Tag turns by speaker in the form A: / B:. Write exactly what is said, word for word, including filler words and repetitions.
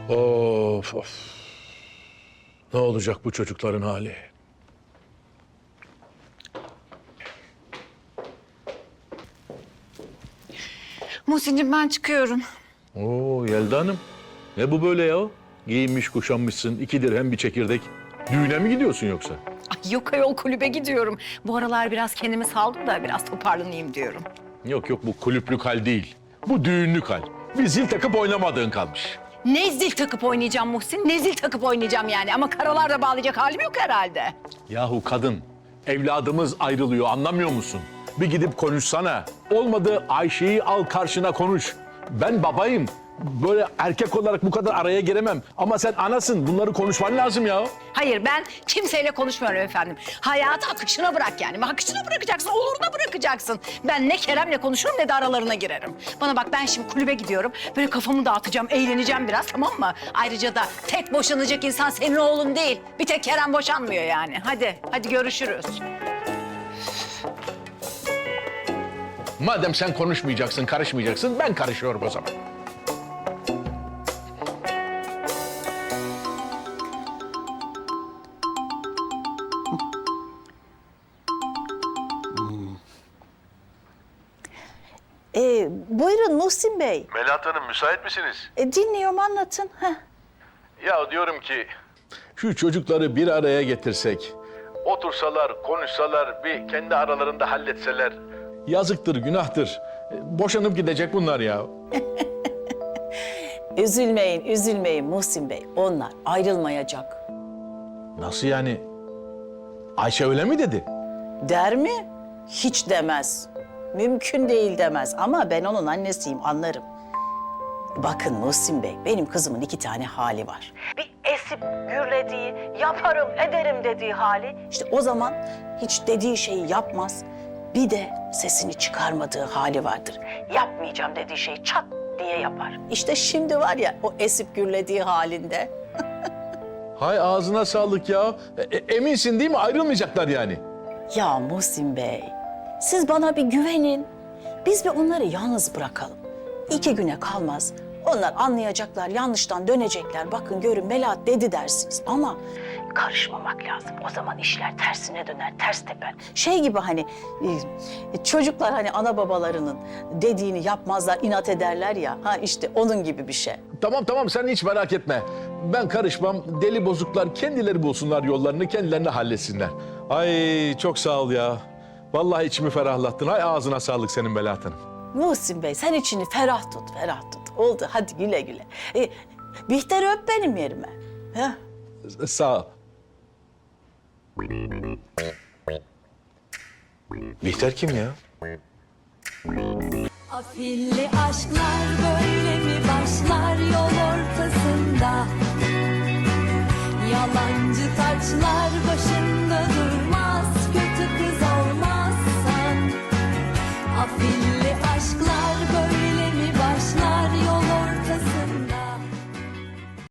A: Of of. Ne olacak bu çocukların hali?
B: Muhsin'cim ben çıkıyorum.
A: Oo Yelda Hanım. Ne bu böyle ya? Giyinmiş kuşanmışsın, iki dirhem bir çekirdek. Düğüne mi gidiyorsun yoksa?
B: Ay yok ayol kulübe gidiyorum. Bu aralar biraz kendimi saldım da biraz toparlanayım diyorum.
A: Yok yok bu kulüplük hal değil. Bu düğünlük hal. Bir zil takıp oynamadığın kalmış.
B: Ne zil takıp oynayacağım Muhsin? Ne zil takıp oynayacağım yani? Ama karalarda bağlayacak halim yok herhalde.
A: Yahu kadın, evladımız ayrılıyor anlamıyor musun? Bir gidip konuşsana. Olmadı Ayşe'yi al karşına konuş. Ben babayım. Böyle erkek olarak bu kadar araya giremem. Ama sen anasın. Bunları konuşman lazım ya.
B: Hayır ben kimseyle konuşmuyorum efendim. Hayatı akışına bırak yani. Akışına bırakacaksın, oluruna bırakacaksın. Ben ne Kerem'le konuşurum ne de aralarına girerim. Bana bak ben şimdi kulübe gidiyorum. Böyle kafamı dağıtacağım, eğleneceğim biraz tamam mı? Ayrıca da tek boşanacak insan senin oğlun değil. Bir tek Kerem boşanmıyor yani. Hadi, hadi görüşürüz.
A: Madem sen konuşmayacaksın, karışmayacaksın, ben karışıyorum o zaman.
C: Ee, buyurun Muhsin Bey.
D: Melahat Hanım müsait misiniz?
C: E, dinliyorum anlatın. Heh.
D: Ya diyorum ki
A: Şu çocukları bir araya getirsek,
D: otursalar, konuşsalar, bir kendi aralarında halletseler.
A: yazıktır, günahtır. E, Boşanıp gidecek bunlar ya.
C: Üzülmeyin, üzülmeyin Muhsin Bey. Onlar ayrılmayacak.
A: Nasıl yani? Ayşe öyle mi dedi?
C: Der mi? Hiç demez. Mümkün değil demez ama ben onun annesiyim anlarım. Bakın Muhsin Bey, benim kızımın iki tane hali var. Bir esip gürlediği, yaparım ederim dediği hali. İşte o zaman hiç dediği şeyi yapmaz. Bir de sesini çıkarmadığı hali vardır. Yapmayacağım dediği şeyi çat diye yapar. İşte şimdi var ya o esip gürlediği halinde.
A: Hay ağzına sağlık ya. E, e, eminsin değil mi? Ayrılmayacaklar yani.
C: Ya Muhsin Bey, siz bana bir güvenin. Biz bir onları yalnız bırakalım. İki güne kalmaz. Onlar anlayacaklar, yanlıştan dönecekler. Bakın görün Melahat dedi dersiniz ama karışmamak lazım. O zaman işler tersine döner, ters teper. Şey gibi hani e, çocuklar hani ana babalarının dediğini yapmazlar, inat ederler ya. Ha işte onun gibi bir şey.
A: Tamam tamam sen hiç merak etme. Ben karışmam. Deli bozuklar kendileri bulsunlar yollarını, kendilerini halletsinler. Ay çok sağ ol ya. Vallahi içimi ferahlattın. Hay ağzına sağlık senin Melahat Hanım.
C: Muhsin Bey sen içini ferah tut, ferah tut. Oldu hadi güle güle. E, Bihter'i öp benim yerime. Heh.
A: Sağ ol. Bihter kim ya?
E: Afilli aşklar böyle mi başlar yol ortasında? Yalancı taçlar böyle